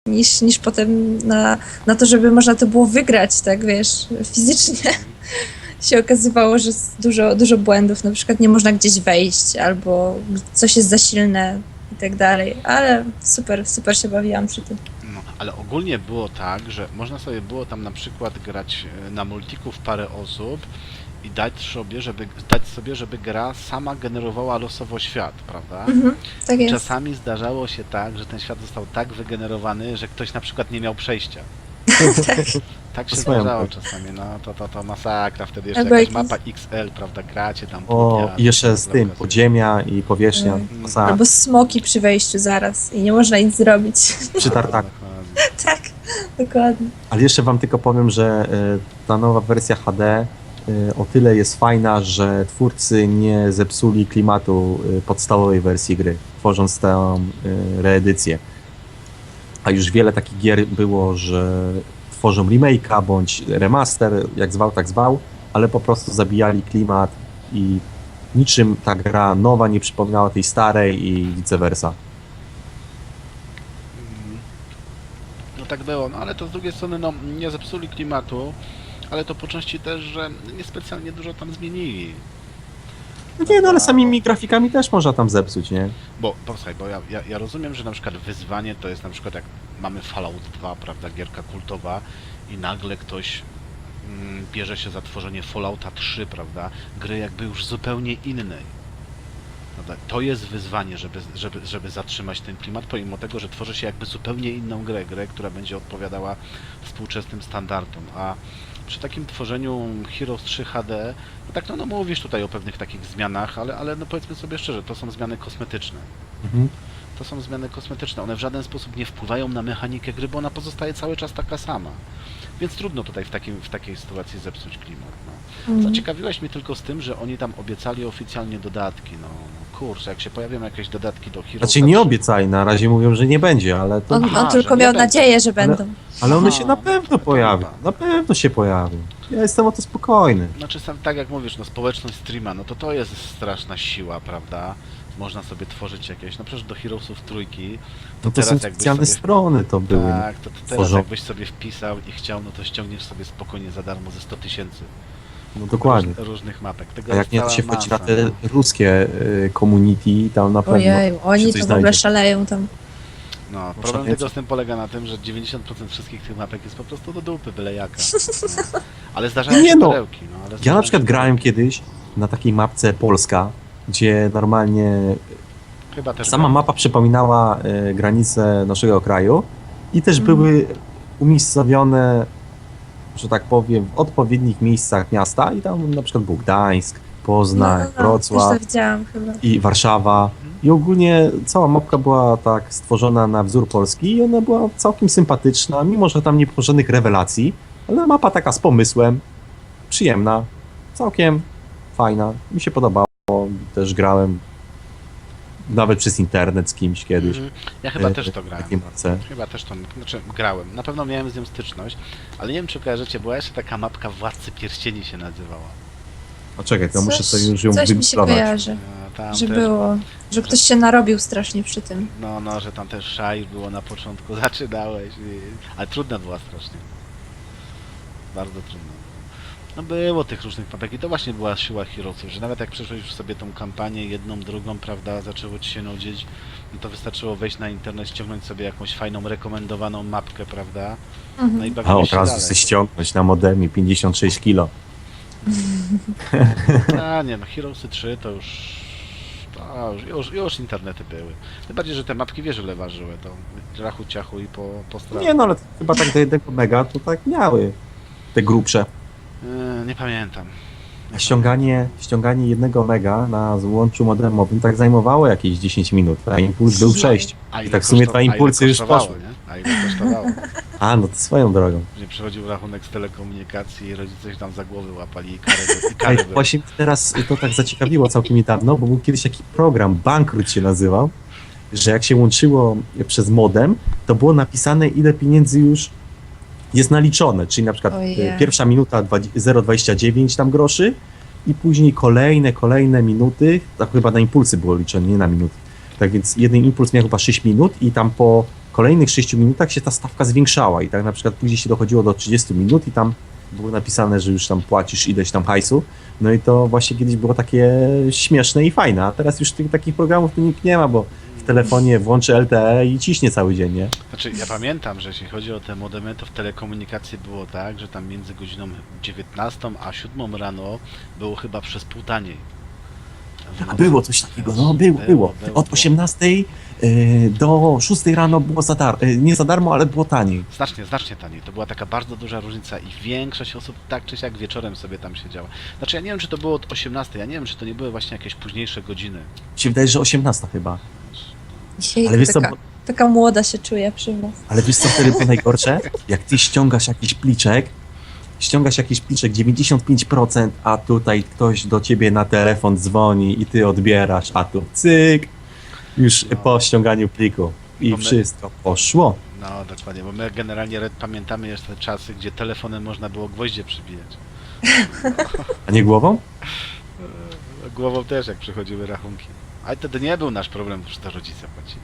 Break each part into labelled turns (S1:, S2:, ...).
S1: niż potem na to, żeby można to było wygrać, tak wiesz, fizycznie. Się okazywało, że jest dużo błędów, na przykład nie można gdzieś wejść, albo coś jest za silne i tak dalej, ale super się bawiłam przy tym.
S2: No, ale ogólnie było tak, że można sobie było tam na przykład grać na multiku w parę osób i dać sobie, żeby gra sama generowała losowo świat, prawda?
S1: Tak jest.
S2: Czasami zdarzało się tak, że ten świat został tak wygenerowany, że ktoś na przykład nie miał przejścia. Tak się
S3: Swoją
S2: zdarzało
S3: drogą.
S2: czasami, no to masakra, wtedy jeszcze
S1: Albo
S2: jakaś
S1: jakiś-
S2: mapa XL, prawda, gracie tam
S3: O,
S2: pół dnia,
S3: i jeszcze z
S2: to
S3: tym,
S2: okazuje.
S3: podziemia i powierzchnia.
S1: Mm.
S3: Masakra.
S1: Albo smoki przy wejściu zaraz i nie można nic zrobić.
S3: Przy tartaku.
S2: Dokładnie.
S1: Tak, dokładnie.
S3: Ale jeszcze wam tylko powiem, że ta nowa wersja HD o tyle jest fajna, że twórcy nie zepsuli klimatu podstawowej wersji gry, tworząc tę reedycję. A już wiele takich gier było, że tworzą remake'a bądź remaster, jak zwał, tak zwał, ale po prostu zabijali klimat i niczym ta gra nowa nie przypominała tej starej i vice versa.
S2: No tak było, no ale to z drugiej strony no nie zepsuli klimatu, ale to po części też, że niespecjalnie dużo tam zmienili.
S3: No nie, no ale samymi grafikami też można tam zepsuć, nie?
S2: Bo posłuchaj, bo ja rozumiem, że na przykład wyzwanie to jest na przykład jak mamy Fallout 2, prawda, gierka kultowa i nagle ktoś bierze się za tworzenie Fallouta 3, prawda, gry jakby już zupełnie innej. Prawda? To jest wyzwanie, żeby zatrzymać ten klimat, pomimo tego, że tworzy się jakby zupełnie inną grę, która będzie odpowiadała współczesnym standardom, a przy takim tworzeniu Heroes 3 HD, no tak no mówisz tutaj o pewnych takich zmianach, ale no powiedzmy sobie szczerze, to są zmiany kosmetyczne.
S3: Mhm.
S2: To są zmiany kosmetyczne, one w żaden sposób nie wpływają na mechanikę gry, bo ona pozostaje cały czas taka sama. Więc trudno tutaj w takiej sytuacji zepsuć klimat. No. Zaciekawiłeś mnie tylko z tym, że oni tam obiecali oficjalnie dodatki. No kurczę, jak się pojawią jakieś dodatki do Heroes...
S3: Znaczy nie obiecali, na razie mówią, że nie będzie, ale to...
S1: On
S2: Aha,
S1: tylko
S2: że nie
S1: miał
S2: będą.
S1: nadzieję, że będą.
S3: Ale one
S2: Aha,
S3: się na pewno
S2: to
S3: pojawią.
S2: dobra.
S3: Na pewno się pojawią. Ja jestem o to spokojny.
S2: Znaczy sam, tak jak mówisz, no społeczność streama, no to jest straszna siła, prawda? Można sobie tworzyć jakieś, no przecież do Heroesów trójki,
S3: No to
S2: teraz
S3: są
S2: jakbyś
S3: specjalne
S2: sobie-
S3: strony to były.
S2: tak, to teraz
S3: tworzą.
S2: jakbyś sobie wpisał i chciał, no to ściągniesz sobie spokojnie za darmo ze 100 000
S3: No dokładnie.
S2: różnych mapek. Tego
S3: A jak
S2: jest
S3: nie, to
S2: cała
S3: się wchodzi na
S2: masa,
S3: te
S2: no.
S3: ruskie community, tam na pewno
S1: Ojej,
S3: się
S1: oni
S3: coś
S1: to w ogóle
S3: znajdzie.
S1: szaleją tam.
S2: No, problem
S3: szaleńcy.
S2: tego z tym polega na tym, że 90% wszystkich tych mapek jest po prostu do dupy, byle jaka. No. Ale zdarzają
S3: Nie
S2: się
S3: no.
S2: perełki, no. Ale
S3: Ja
S2: zdarzają
S3: na przykład
S2: się
S3: grałem
S2: perełki.
S3: kiedyś na takiej mapce Polska, gdzie normalnie
S2: Chyba też
S3: sama
S2: grałem.
S3: mapa przypominała granice naszego kraju i też
S1: Mhm.
S3: były umiejscowione, że tak powiem, w odpowiednich miejscach miasta i tam na przykład był Gdańsk, Poznań,
S1: Też
S3: Wrocław
S1: to widziałam chyba.
S3: i Warszawa. I ogólnie cała mapka była tak stworzona na wzór Polski i ona była całkiem sympatyczna, mimo że tam nie było żadnych rewelacji, ale mapa taka z pomysłem, przyjemna, całkiem fajna, mi się podobało, też grałem nawet przez internet z kimś kiedyś.
S2: Mhm. Ja chyba
S3: e,
S2: też to
S3: w
S2: grałem.
S3: takiej mapce.
S2: Chyba też to, znaczy grałem. Na pewno miałem z nią styczność, ale nie wiem czy kojarzycie, była jeszcze taka mapka Władcy Pierścieni się nazywała.
S3: A czekaj, to muszę sobie już ją
S1: coś mi się
S3: wygooglować.
S1: kojarzy,
S2: Tam
S1: że
S2: też,
S1: było, że ktoś się narobił strasznie przy tym.
S2: no, że tam też szaj było na początku, zaczynałeś, ale trudna była strasznie. Bardzo trudna. No było tych różnych mapek i to właśnie była siła Heroesów, że nawet jak przeszłeś już sobie tą kampanię jedną, drugą, prawda, zaczęło ci się nudzić, no to wystarczyło wejść na internet, ściągnąć sobie jakąś fajną, rekomendowaną mapkę, prawda, no i
S3: A
S2: bawiłeś
S3: od
S2: się
S3: razu
S2: dalej.
S3: chcę ściągnąć na modemie 56 kilo.
S2: A nie, no Heroesy 3 to już internety były. Tym bardziej, że te mapki wiesz ile ważyły, to rachu ciachu i po stronę.
S3: Nie no, ale chyba tak do 1 mega to tak miały te grubsze.
S2: Nie pamiętam.
S3: A ściąganie 1 mega na złączu modemowym tak zajmowało jakieś 10 minut, a impuls był 6.
S2: A ile
S3: tak w sumie dwa impulsy już
S2: kosztowało,
S3: poszły.
S2: nie? A ile kosztowało?
S3: A, no to swoją drogą.
S2: Później przychodził rachunek z telekomunikacji i rodzice się tam za głowy łapali i kary, i
S3: Ej,
S2: kary były.
S3: właśnie teraz to tak zaciekawiło całkiem niedawno, bo był kiedyś taki program, Bankrut się nazywał, że jak się łączyło przez modem, to było napisane ile pieniędzy już jest naliczone, czyli na przykład
S1: Ojej.
S3: pierwsza minuta 0,29 tam groszy i później kolejne minuty, tak chyba na impulsy było liczone, nie na minuty. Tak więc jeden impuls miał chyba 6 minut i tam po kolejnych 6 minutach się ta stawka zwiększała i tak na przykład później się dochodziło do 30 minut i tam było napisane, że już tam płacisz ileś tam hajsu. No i to właśnie kiedyś było takie śmieszne i fajne, a teraz już takich programów tu nikt nie ma, bo w telefonie włączy LTE i ciśnie cały dzień, nie?
S2: Znaczy, ja pamiętam, że jeśli chodzi o te modemy, to w telekomunikacji było tak, że tam między godziną 19 a 7 rano było chyba przez pół taniej.
S3: A było coś takiego, no było. Od 18 do 6 rano było za darmo, nie za darmo, ale było taniej.
S2: Znacznie taniej. To była taka bardzo duża różnica i większość osób tak czy siak wieczorem sobie tam siedziała. Znaczy, ja nie wiem, czy to było od 18, ja nie wiem, czy to nie były właśnie jakieś późniejsze godziny.
S3: Mi się wydaje, że 18 chyba.
S1: Dzisiaj
S3: Ale wiesz co,
S1: taka młoda się czuje przy was.
S3: ale wiesz co wtedy było najgorsze? Jak ty ściągasz jakiś pliczek 95%, a tutaj ktoś do ciebie na telefon dzwoni i ty odbierasz, a tu cyk, już
S2: No.
S3: po ściąganiu pliku i
S2: Bo my-
S3: wszystko poszło.
S2: No, dokładnie, bo my generalnie pamiętamy jeszcze te czasy, gdzie telefonem można było gwoździe przybijać.
S3: A nie głową?
S2: Głową też, jak przychodziły rachunki. Ale wtedy nie był nasz problem, że to rodzice płacili.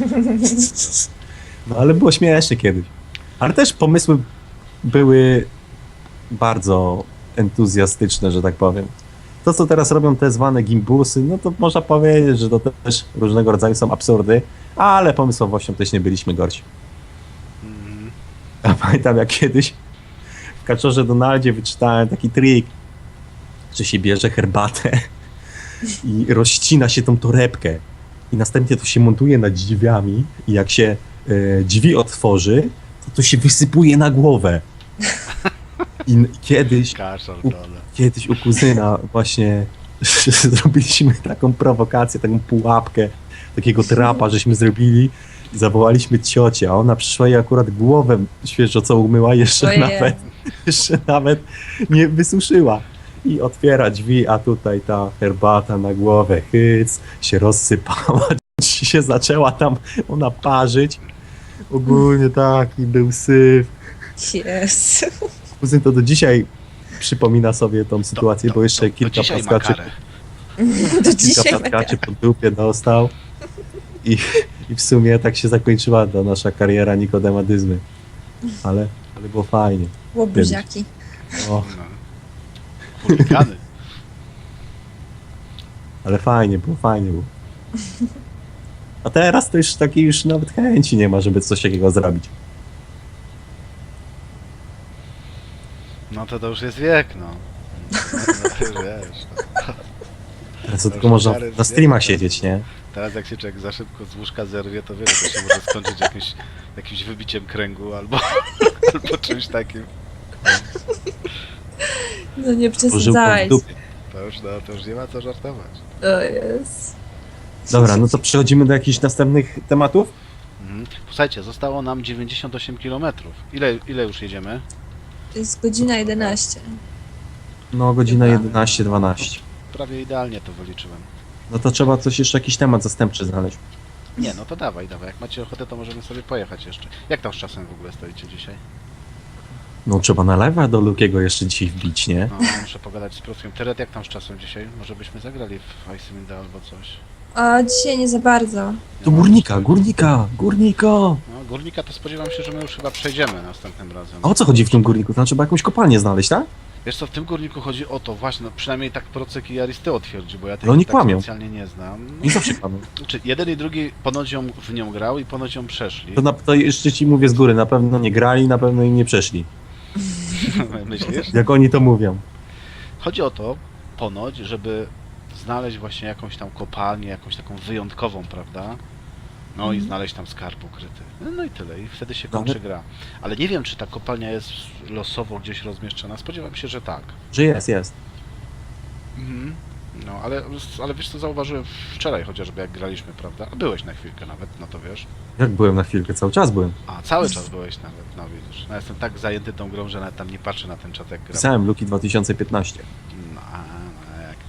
S3: No ale było śmiesznie kiedyś. Ale też pomysły były bardzo entuzjastyczne, że tak powiem. To, co teraz robią te zwane gimbusy, no to można powiedzieć, że to też różnego rodzaju są absurdy, ale pomysłowością też nie byliśmy gorsi.
S2: Mhm.
S3: Ja pamiętam, jak kiedyś w Kaczorze Donaldzie wyczytałem taki trik, że się bierze herbatę i rozcina się tą torebkę i następnie to się montuje nad drzwiami i jak się drzwi otworzy, to się wysypuje na głowę. I kiedyś u kuzyna właśnie zrobiliśmy taką prowokację, taką pułapkę, takiego trapa, żeśmy zrobili i zawołaliśmy ciocię, a ona przyszła i akurat głowę świeżo co umyła, jeszcze nawet nie wysuszyła. I otwiera drzwi, a tutaj ta herbata na głowę, hyc, się rozsypała, się zaczęła tam ona parzyć. Ogólnie taki był syf.
S1: Jezu.
S3: Kuzyn to do dzisiaj przypomina sobie tą sytuację, bo jeszcze kilka plaskaczy pod dupie dostał i w sumie tak się zakończyła ta nasza kariera nikodemadyzmy. Ale było fajnie.
S1: Łobuziaki.
S3: O,
S2: No. Chuligany.
S3: ale fajnie było. A teraz to już takiej już nawet chęci nie ma, żeby coś takiego zrobić.
S2: No to już jest wiek, no. No, wiesz, no.
S3: Teraz to tylko można na streamach siedzieć, nie?
S2: Teraz jak się człowiek za szybko z łóżka zerwie, to wiele, to się może skończyć jakimś wybiciem kręgu albo czymś takim.
S1: No nie
S3: Pożyłką w
S1: przesadzajcie.
S3: dupie.
S2: To już nie ma co żartować.
S1: O jest.
S3: Dobra, no to przechodzimy do jakichś następnych tematów?
S2: Mhm. Słuchajcie, zostało nam 98 km. Ile już jedziemy?
S1: To jest godzina 11.
S3: No, godzina 11:12.
S2: Prawie idealnie to wyliczyłem.
S3: No to trzeba jakiś temat zastępczy znaleźć.
S2: Nie, no to dawaj. Jak macie ochotę, to możemy sobie pojechać jeszcze. Jak tam z czasem w ogóle stoicie dzisiaj?
S3: No trzeba na live'a do Lukiego jeszcze dzisiaj wbić, nie?
S2: No, muszę pogadać z Piotrkiem. Teret, jak tam z czasem dzisiaj? Może byśmy zagrali w Icewind albo coś?
S1: A dzisiaj nie za bardzo.
S3: Do górnika!
S2: No, górnika to spodziewam się, że my już chyba przejdziemy następnym razem.
S3: A o co chodzi w tym górniku? To trzeba jakąś kopalnię znaleźć, tak?
S2: Wiesz co, w tym górniku chodzi o to, właśnie, no, przynajmniej tak Procek i Aristeo twierdzi, bo ja
S3: Ale oni
S2: tak
S3: kłamią.
S2: specjalnie nie znam.
S3: I zawsze kłamią.
S2: Znaczy, jeden i drugi ponoć w nią grał i ponoć ją przeszli.
S3: To jeszcze ci mówię z góry, na pewno nie grali, na pewno im nie przeszli.
S2: Myślisz?
S3: Jak oni to mówią.
S2: Chodzi o to, ponoć, żeby znaleźć właśnie jakąś tam kopalnię, jakąś taką wyjątkową, prawda? No i znaleźć tam skarb ukryty. No i tyle, i wtedy się kończy gra. Ale nie wiem, czy ta kopalnia jest losowo gdzieś rozmieszczona. Spodziewam się, że tak.
S3: Że jest.
S2: Mhm. No, ale wiesz co, zauważyłem wczoraj chociażby, jak graliśmy, prawda? A byłeś na chwilkę nawet, no to wiesz.
S3: Jak byłem na chwilkę, cały czas byłem.
S2: A, cały czas byłeś nawet, no widzisz. No jestem tak zajęty tą grą, że nawet tam nie patrzę na ten czat, jak gram.
S3: Pisałem Luki 2015.
S2: No, jak.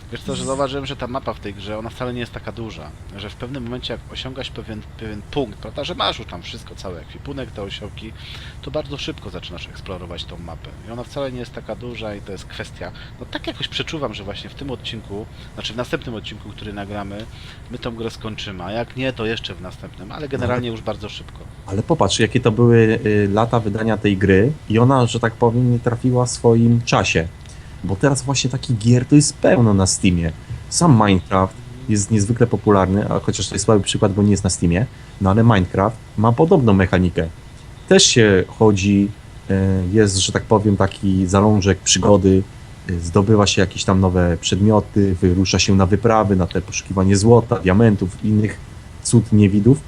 S2: Wiesz co, że zauważyłem, że ta mapa w tej grze, ona wcale nie jest taka duża, że w pewnym momencie jak osiągasz pewien punkt, prawda, że masz już tam wszystko, cały ekwipunek, te osiołki, to bardzo szybko zaczynasz eksplorować tą mapę. I ona wcale nie jest taka duża i to jest kwestia, no tak jakoś przeczuwam, że właśnie w tym odcinku, znaczy w następnym odcinku, który nagramy, my tą grę skończymy, a jak nie, to jeszcze w następnym, ale generalnie już bardzo szybko.
S3: Ale popatrz, jakie to były lata wydania tej gry i ona, że tak powiem, nie trafiła w swoim czasie. Bo teraz właśnie takich gier to jest pełno na Steamie. Sam Minecraft jest niezwykle popularny, a chociaż to jest słaby przykład, bo nie jest na Steamie, no ale Minecraft ma podobną mechanikę. Też się chodzi, jest, że tak powiem, taki zalążek przygody, zdobywa się jakieś tam nowe przedmioty, wyrusza się na wyprawy, na te poszukiwanie złota, diamentów, innych cud niewidów.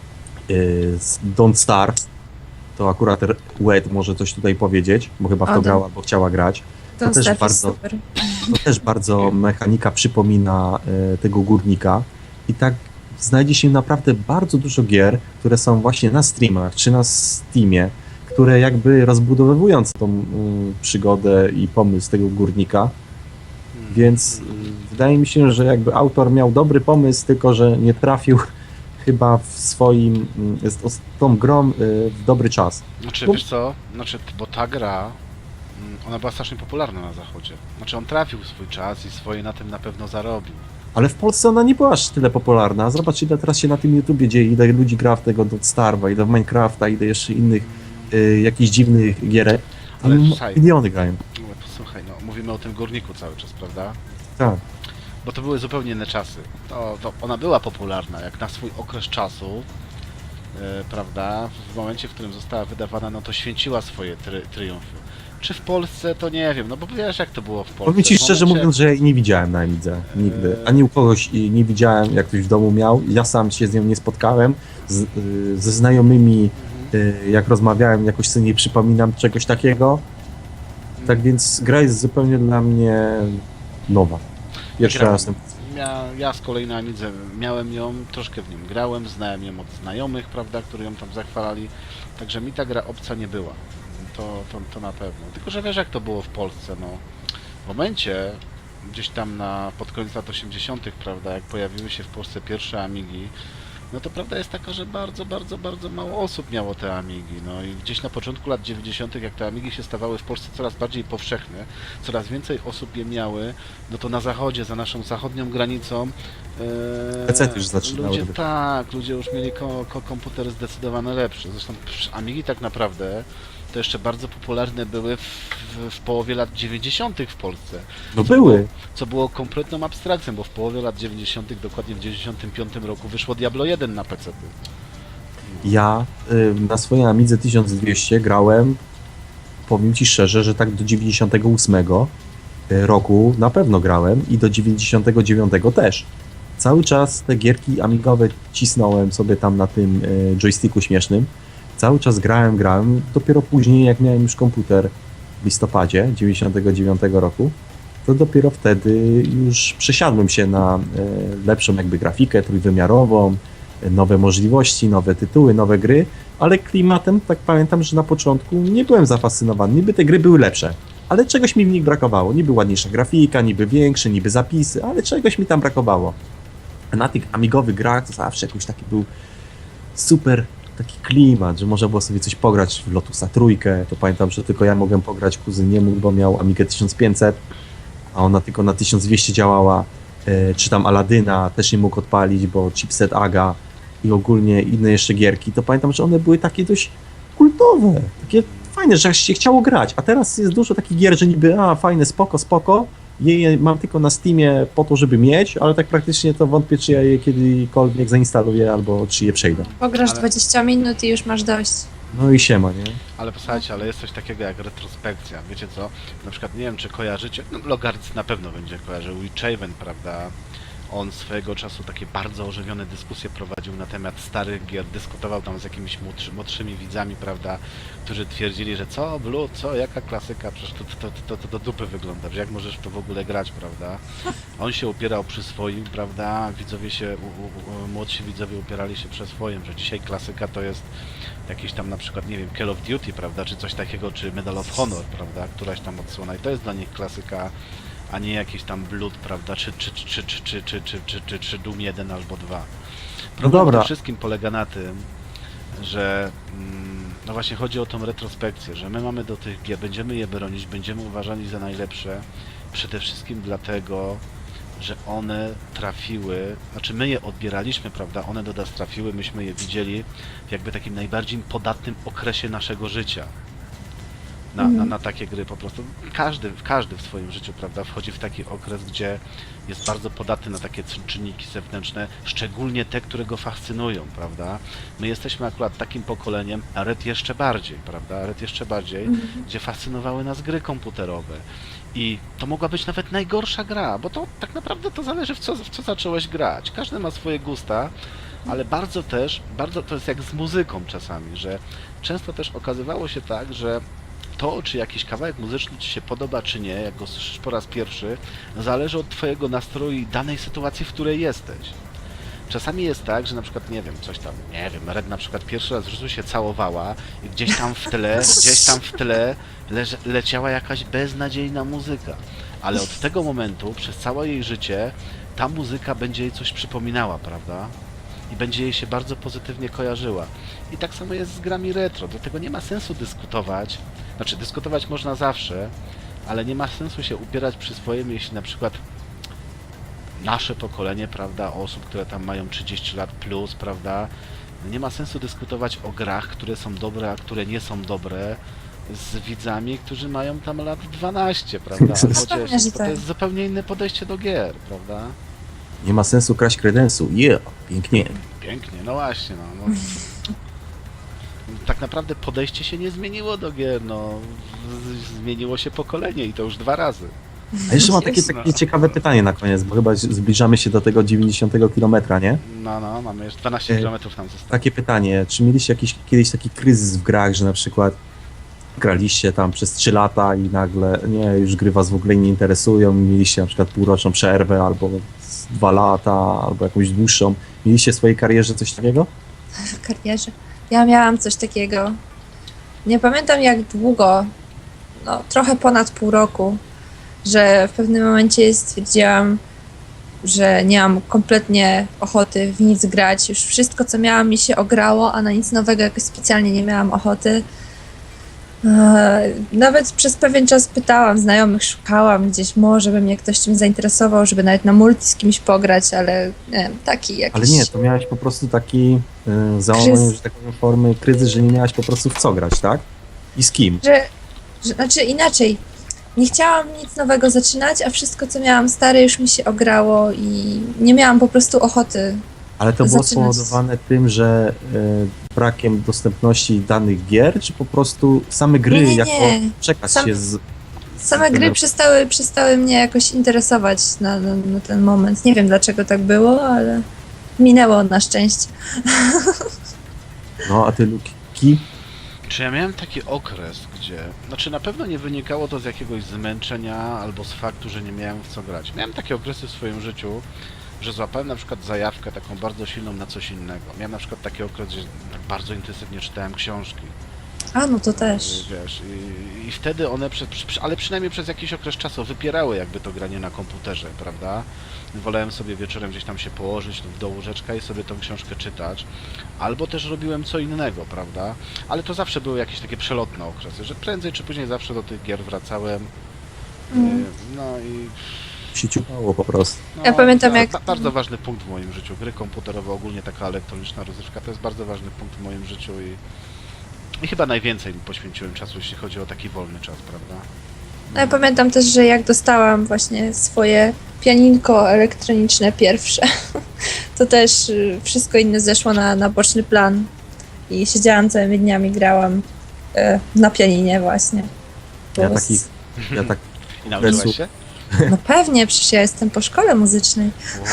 S3: Z Don't Starve, to akurat Wed może coś tutaj powiedzieć, bo chyba w to
S1: O,
S3: grała, bo chciała grać.
S1: To
S3: też
S1: też
S3: bardzo-
S1: super.
S3: To też bardzo mechanika przypomina tego górnika i tak znajdzie się naprawdę bardzo dużo gier, które są właśnie na streamach czy na Steamie, które jakby rozbudowując tą przygodę i pomysł tego górnika, więc wydaje mi się, że jakby autor miał dobry pomysł, tylko że nie trafił chyba w swoim, z tą grą w dobry czas.
S2: Znaczy,
S3: Bo-
S2: wiesz co, bo ta gra, ona była strasznie popularna na zachodzie. Znaczy on trafił w swój czas i swoje na tym na pewno zarobił.
S3: Ale w Polsce ona nie była aż tyle popularna. Zobacz, ile teraz się na tym YouTubie dzieje, ile ludzi gra w tego do Starve'a, ile w Minecrafta, ile jeszcze innych jakichś dziwnych gierek.
S2: Ale
S3: Tam
S2: słuchaj.
S3: miliony grają.
S2: No, posłuchaj, no mówimy o tym górniku cały czas, prawda?
S3: Tak.
S2: Bo to były zupełnie inne czasy. To ona była popularna, jak na swój okres czasu, prawda? W momencie, w którym została wydawana, no to święciła swoje triumfy. Czy w Polsce, to nie wiem, no bo wiesz jak to było w Polsce.
S3: Powiem ci
S2: W
S3: szczerze
S2: momencie-
S3: mówiąc, że jej nie widziałem na Emidze. Nigdy. Ani u kogoś nie widziałem, jak ktoś w domu miał. Ja sam się z nią nie spotkałem. Ze znajomymi, jak rozmawiałem, jakoś sobie nie przypominam czegoś takiego. Tak więc gra jest zupełnie dla mnie nowa. Pierwszy
S2: Grałem.
S3: raz.
S2: Ja z kolei na Amidze miałem ją, troszkę w nią grałem, znałem ją od znajomych, prawda, którzy ją tam zachwalali, także mi ta gra obca nie była, to na pewno. Tylko, że wiesz jak to było w Polsce, no, w momencie, gdzieś tam pod koniec lat 80., prawda, jak pojawiły się w Polsce pierwsze Amigi, no to prawda jest taka, że bardzo mało osób miało te Amigi, no i gdzieś na początku lat 90., jak te Amigi się stawały w Polsce coraz bardziej powszechne, coraz więcej osób je miały, no to na zachodzie, za naszą zachodnią granicą
S3: PC-ty już zaczynały
S2: ludzie,
S3: być.
S2: tak, ludzie już mieli komputery zdecydowanie lepsze, zresztą Amigi tak naprawdę to jeszcze bardzo popularne były w połowie lat 90. w Polsce.
S3: No były.
S2: Co było kompletną abstrakcją, bo w połowie lat 90., dokładnie w 95 roku wyszło Diablo 1 na PC.
S3: Ja na swojej Amidze 1200 grałem, powiem ci szczerze, że tak do 98 roku na pewno grałem i do 99 też. Cały czas te gierki amigowe cisnąłem sobie tam na tym joysticku śmiesznym. Cały czas grałem. Dopiero później, jak miałem już komputer w listopadzie 99 roku, to dopiero wtedy już przesiadłem się na lepszą jakby grafikę trójwymiarową, nowe możliwości, nowe tytuły, nowe gry, ale klimatem, tak pamiętam, że na początku nie byłem zafascynowany. Niby te gry były lepsze, ale czegoś mi w nich brakowało. Niby ładniejsza grafika, niby większe, niby zapisy, ale czegoś mi tam brakowało. A na tych amigowych grach to zawsze jakiś taki był super taki klimat, że można było sobie coś pograć w Lotusa trójkę. To pamiętam, że tylko ja mogłem pograć, kuzyn nie mógł, bo miał Amigę 1500, a ona tylko na 1200 działała. Czy tam Aladyna też nie mógł odpalić, bo chipset AGA i ogólnie inne jeszcze gierki. To pamiętam, że one były takie dość kultowe, takie fajne, że aż się chciało grać. A teraz jest dużo takich gier, że niby fajne, spoko. Je mam tylko na Steamie po to, żeby mieć, ale tak praktycznie to wątpię, czy ja je kiedykolwiek zainstaluję albo czy je przejdę.
S1: Pograsz
S2: Ale-
S1: 20 minut i już masz dość.
S3: No i siema, nie?
S2: Ale posłuchajcie, ale jest coś takiego jak retrospekcja. Wiecie co? Na przykład nie wiem, czy kojarzycie, no Logarc na pewno będzie kojarzył, Witchaven, prawda? On swojego czasu takie bardzo ożywione dyskusje prowadził na temat starych gier, dyskutował tam z jakimiś młodszymi widzami, prawda? Którzy twierdzili, że co, Blue, co, jaka klasyka, przecież to do dupy wygląda, że jak możesz w to w ogóle grać, prawda? On się upierał przy swoim, prawda? Widzowie się, młodsi widzowie upierali się przy swoim, że dzisiaj klasyka to jest jakiś tam na przykład, nie wiem, Call of Duty, prawda, czy coś takiego, czy Medal of Honor, prawda, któraś tam odsłona i to jest dla nich klasyka, a nie jakiś tam Blood, prawda, czy Doom 1 albo 2. Problem
S3: dobra.
S2: przede wszystkim polega na tym, że no właśnie chodzi o tą retrospekcję, że my mamy do tych gier, będziemy je bronić, będziemy uważali za najlepsze, przede wszystkim dlatego, że one trafiły, znaczy my je odbieraliśmy, prawda, one do nas trafiły, myśmy je widzieli w jakby takim najbardziej podatnym okresie naszego życia. Na takie gry po prostu. Każdy w swoim życiu, prawda, wchodzi w taki okres, gdzie jest bardzo podatny na takie czynniki zewnętrzne, szczególnie te, które go fascynują, prawda. My jesteśmy akurat takim pokoleniem, a Red jeszcze bardziej, prawda, Red jeszcze bardziej, gdzie fascynowały nas gry komputerowe. I to mogła być nawet najgorsza gra, bo to tak naprawdę to zależy w co zacząłeś grać. Każdy ma swoje gusta, ale bardzo to jest jak z muzyką czasami, że często też okazywało się tak, że to, czy jakiś kawałek muzyczny Ci się podoba, czy nie, jak go słyszysz po raz pierwszy, zależy od Twojego nastroju i danej sytuacji, w której jesteś. Czasami jest tak, że na przykład, nie wiem, coś tam, nie wiem, Red na przykład pierwszy raz w życiu się całowała i gdzieś tam w tle leciała jakaś beznadziejna muzyka. Ale od tego momentu, przez całe jej życie, ta muzyka będzie jej coś przypominała, prawda? I będzie jej się bardzo pozytywnie kojarzyła. I tak samo jest z grami retro, dlatego nie ma sensu dyskutować. Znaczy, dyskutować można zawsze, ale nie ma sensu się upierać przy swoim, jeśli na przykład nasze pokolenie, prawda, osób, które tam mają 30 lat plus, prawda, nie ma sensu dyskutować o grach, które są dobre, a które nie są dobre, z widzami, którzy mają tam lat 12, prawda, albo
S1: Pewnie,
S2: 10,
S1: że
S2: bo to
S1: tak.
S2: jest zupełnie inne podejście do gier, prawda?
S3: Nie ma sensu kraść kredensu. Pięknie.
S2: Pięknie, no właśnie, no. Tak naprawdę podejście się nie zmieniło do gier, no. Zmieniło się pokolenie i to już 2 razy.
S3: A jeszcze mam takie
S2: Jasne.
S3: ciekawe pytanie na koniec, bo chyba zbliżamy się do tego 90 kilometra, nie?
S2: No, mamy jeszcze 12 km nam zostało.
S3: Takie pytanie, czy mieliście kiedyś taki kryzys w grach, że na przykład graliście tam przez 3 lata i nagle, nie, już gry was w ogóle nie interesują, mieliście na przykład półroczną przerwę, albo 2 lata, albo jakąś dłuższą. Mieliście w swojej karierze coś takiego?
S1: W karierze. Ja miałam coś takiego. Nie pamiętam jak długo, no trochę ponad pół roku, że w pewnym momencie stwierdziłam, że nie mam kompletnie ochoty w nic grać. Już wszystko, co miałam, mi się ograło, a na nic nowego jakoś specjalnie nie miałam ochoty. Nawet przez pewien czas pytałam znajomych, szukałam gdzieś, może by mnie ktoś czymś zainteresował, żeby nawet na multi z kimś pograć, ale nie wiem, taki jakiś...
S3: Ale nie, to miałeś po prostu taki załamanie, że tak powiem, formy kryzys, że nie miałeś po prostu w co grać, tak? I z kim?
S1: Znaczy inaczej, nie chciałam nic nowego zaczynać, a wszystko, co miałam stare, już mi się ograło i nie miałam po prostu ochoty.
S3: Ale to było
S1: zaczynać.
S3: spowodowane tym, że brakiem dostępności danych gier, czy po prostu same gry
S1: Nie.
S3: jako przekaz
S1: Sam-
S3: się z...
S1: Same gry przestały mnie jakoś interesować na ten moment. Nie wiem, dlaczego tak było, ale minęło na szczęście.
S3: No, a ty, Luki?
S2: Czy ja miałem taki okres, gdzie... Znaczy na pewno nie wynikało to z jakiegoś zmęczenia albo z faktu, że nie miałem w co grać. Miałem takie okresy w swoim życiu, że złapałem na przykład zajawkę taką bardzo silną na coś innego. Miałem na przykład taki okres, że bardzo intensywnie czytałem książki.
S1: A, no to też.
S2: Wiesz, i wtedy one, ale przynajmniej przez jakiś okres czasu wypierały jakby to granie na komputerze, prawda? Wolałem sobie wieczorem gdzieś tam się położyć do łóżeczka i sobie tą książkę czytać. Albo też robiłem co innego, prawda? Ale to zawsze były jakieś takie przelotne okresy, że prędzej czy później zawsze do tych gier wracałem. No i...
S3: Się ciupało po prostu.
S2: No,
S1: Ja pamiętam, jak-
S2: Bardzo ważny punkt w moim życiu. Gry komputerowe, ogólnie taka elektroniczna rozrywka, to jest bardzo ważny punkt w moim życiu i chyba najwięcej poświęciłem czasu, jeśli chodzi o taki wolny czas, prawda?
S1: No, ja pamiętam też, że jak dostałam właśnie swoje pianinko elektroniczne pierwsze, to też wszystko inne zeszło na boczny plan i siedziałam całymi dniami, grałam na pianinie właśnie.
S3: Ja
S1: Bo
S3: taki- Ja tak
S2: I nauczyłaś się?
S1: No pewnie, przecież ja jestem po szkole muzycznej.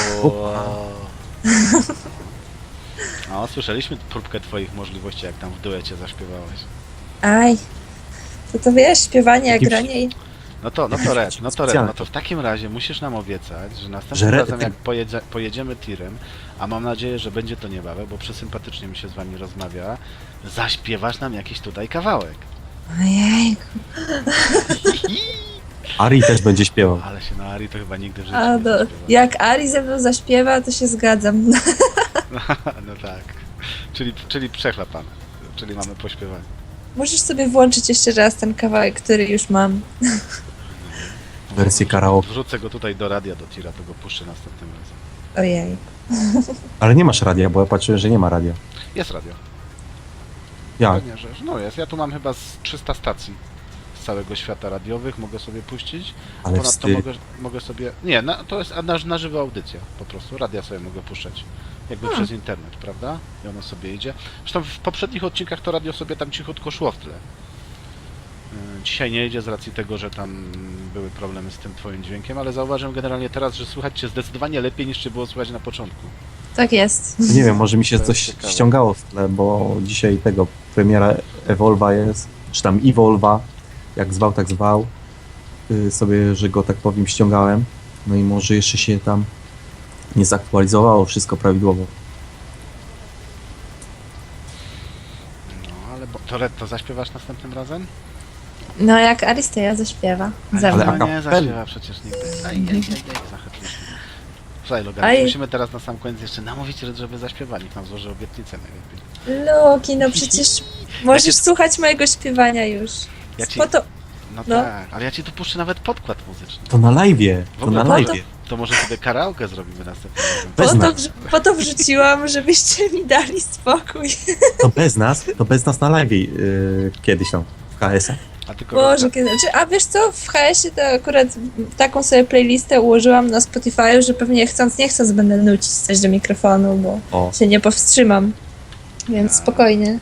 S2: No, słyszeliśmy próbkę twoich możliwości, jak tam w duecie zaśpiewałeś.
S1: Aj, to wiesz, śpiewanie, jak
S3: Jakim-
S1: granie i...
S2: No to Red,
S3: Specjalnie.
S2: no to w takim razie musisz nam obiecać, że następnym
S3: Że
S2: razem jak pojedziemy tirem, a mam nadzieję, że będzie to niebawem, bo przesympatycznie mi się z wami rozmawia, zaśpiewasz nam jakiś tutaj kawałek.
S1: Ojej,
S3: Ari też będzie śpiewał.
S2: Ale się na Ari to chyba nigdy w życiu
S1: A
S2: nie
S1: do,
S2: zaśpiewa.
S1: jak Ari ze mną zaśpiewa, to się zgadzam.
S2: No tak. Czyli przechlapane. Czyli mamy pośpiewanie.
S1: Możesz sobie włączyć jeszcze raz ten kawałek, który już mam.
S3: Wersję karaoke.
S2: Wrzucę go tutaj do radia, do tira, to go puszczę następnym razem.
S1: Ojej.
S3: Ale nie masz radia, bo ja patrzyłem, że nie ma radia.
S2: Jest radio.
S3: Jak?
S2: Pewnie, że no jest. Ja tu mam chyba z 300 stacji z całego świata radiowych, mogę sobie puścić.
S3: Ale
S2: Ponadto
S3: wstyd.
S2: mogę sobie... Nie, to jest na żywo audycja po prostu. Radia sobie mogę puszczać. Jakby przez internet, prawda? I ono sobie idzie. Zresztą w poprzednich odcinkach to radio sobie tam cichutko szło w tle. Dzisiaj nie idzie z racji tego, że tam były problemy z tym twoim dźwiękiem, ale zauważyłem generalnie teraz, że słychać cię zdecydowanie lepiej niż cię było słychać na początku.
S1: Tak jest.
S3: Nie wiem, może mi się
S2: To jest
S3: coś
S2: ciekawe.
S3: ściągało w tle, bo dzisiaj tego premiera Evolva jest, czy tam Evolva, jak zwał, tak zwał. Sobie, że go tak powiem, ściągałem. No i może jeszcze się tam nie zaktualizowało wszystko prawidłowo.
S2: No, ale to zaśpiewasz następnym razem?
S1: No jak Aristeja zaśpiewa. Ze
S3: Ale
S1: mną.
S2: no nie
S3: a
S2: zaśpiewa przecież nigdy. Zahaczyliśmy. Słuchaj, Logan,
S1: Aj.
S2: musimy teraz na sam koniec jeszcze namówić, żeby zaśpiewali. Niech nam złoży obietnicę najlepiej.
S1: Loki, no przecież możesz słuchać mojego śpiewania już.
S2: Ja ci-
S1: Po to,
S2: No,
S1: No.
S2: tak, ale ja ci tu puszczę nawet podkład muzyczny.
S3: To na live'ie,
S2: W
S3: to
S2: ogóle
S3: na
S2: to-
S3: live'ie.
S2: To może sobie karaoke zrobimy następnym razem.
S3: Bez nas.
S1: po to wrzuciłam, żebyście mi dali spokój.
S3: To bez nas na live'ie kiedyś tam, w KS-a.
S2: A tylko
S1: Boże, kiedy... A wiesz co, w HS-ie to akurat taką sobie playlistę ułożyłam na Spotify, że pewnie chcąc nie chcąc będę nucić coś do mikrofonu, bo
S3: O,
S1: się nie powstrzymam. Więc spokojnie.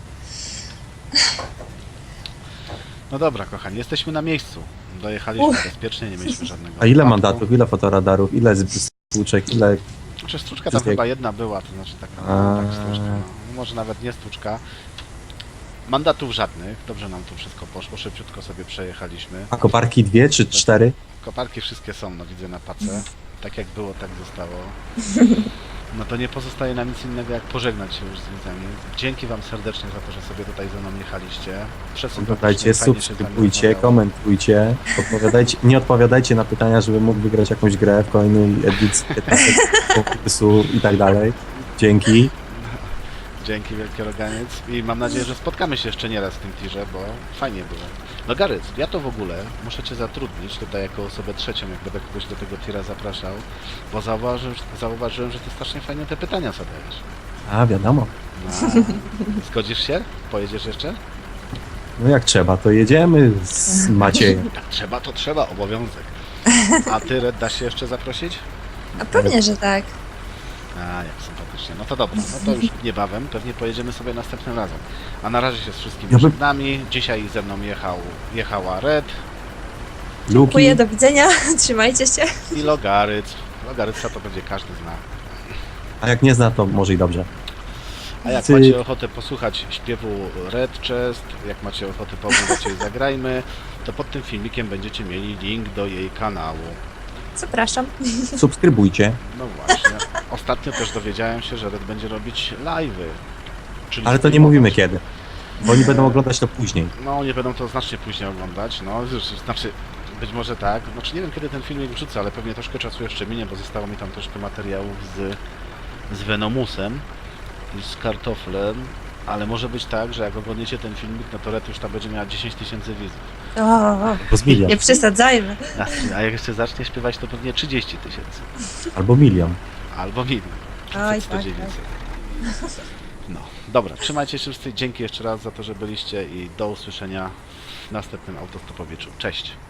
S2: No dobra, kochani, jesteśmy na miejscu. Dojechaliśmy bezpiecznie, nie mieliśmy żadnego
S3: a ile
S2: wypadku.
S3: mandatów, ile fotoradarów, ile stłuczek, ile...
S2: Znaczy stłuczka tam
S3: Wszystkie-
S2: chyba jedna była, to znaczy taka
S3: A.
S2: tak stłuczka, no. Może nawet nie stłuczka. Mandatów żadnych, dobrze nam tu wszystko poszło, szybciutko sobie przejechaliśmy.
S3: A koparki 2 czy 4?
S2: Koparki wszystkie są, no widzę na pace. Tak jak było, tak zostało. No to nie pozostaje nam nic innego jak pożegnać się już z widzami. Dzięki wam serdecznie za to, że sobie tutaj ze mną jechaliście.
S3: Oglądajcie,
S2: fajnie się z wami
S3: subskrybujcie,
S2: rozmawiało.
S3: komentujcie, nie odpowiadajcie na pytania, żeby mógł wygrać jakąś grę w kolejnej edycji 15 konkursu i tak dalej. Dzięki.
S2: Dzięki wielkie Roganiec i mam nadzieję, że spotkamy się jeszcze nieraz w tym tirze, bo fajnie było. No Garyc, ja to w ogóle muszę cię zatrudnić tutaj jako osobę trzecią, jak będę kogoś do tego tira zapraszał, bo zauważyłem, że ty strasznie fajnie te pytania zadajesz.
S3: A, wiadomo.
S2: No, zgodzisz się? Pojedziesz jeszcze?
S3: No jak trzeba, to jedziemy z Maciejem.
S2: Jak trzeba, to trzeba, obowiązek. A ty, Red, dasz się jeszcze zaprosić?
S1: A pewnie, że tak.
S2: A, jak sympatycznie. No to dobra, no to już niebawem, pewnie pojedziemy sobie następnym razem. A na razie się z wszystkimi
S3: Ja bym-
S2: żegnami. Dzisiaj ze mną jechała Red
S3: Luki,
S1: Dziękuję, do widzenia. Trzymajcie się.
S2: i Logaryc. Logaryca to będzie każdy zna.
S3: a jak nie zna, to może i dobrze.
S2: A jak
S3: Cyk.
S2: macie ochotę posłuchać śpiewu Red Chest, jak macie ochotę pooglądać jej Zagrajmy, to pod tym filmikiem będziecie mieli link do jej kanału.
S1: Zapraszam.
S3: Subskrybujcie,
S2: No właśnie. Ostatnio też dowiedziałem się, że Red będzie robić live'y. Czyli
S3: ale to nie
S2: streamować.
S3: mówimy kiedy, bo oni będą oglądać to później.
S2: No, nie będą to znacznie później oglądać, no, znaczy, być może tak, znaczy nie wiem kiedy ten filmik wrzucę, ale pewnie troszkę czasu jeszcze minie, bo zostało mi tam troszkę materiałów z Venomusem i z kartoflem, ale może być tak, że jak oglądniecie ten filmik, no to Red już tam będzie miała 10 000 widzów.
S3: Albo z milion,
S1: Nie przesadzajmy.
S2: A jak jeszcze zacznie śpiewać, to pewnie 30 000,
S3: albo milion.
S2: albo milion.
S1: Oj,
S2: 100
S1: tak,
S2: dzielnicy. No, dobra, trzymajcie się wszyscy, dzięki jeszcze raz za to, że byliście i do usłyszenia w następnym autostopowiczu. Cześć!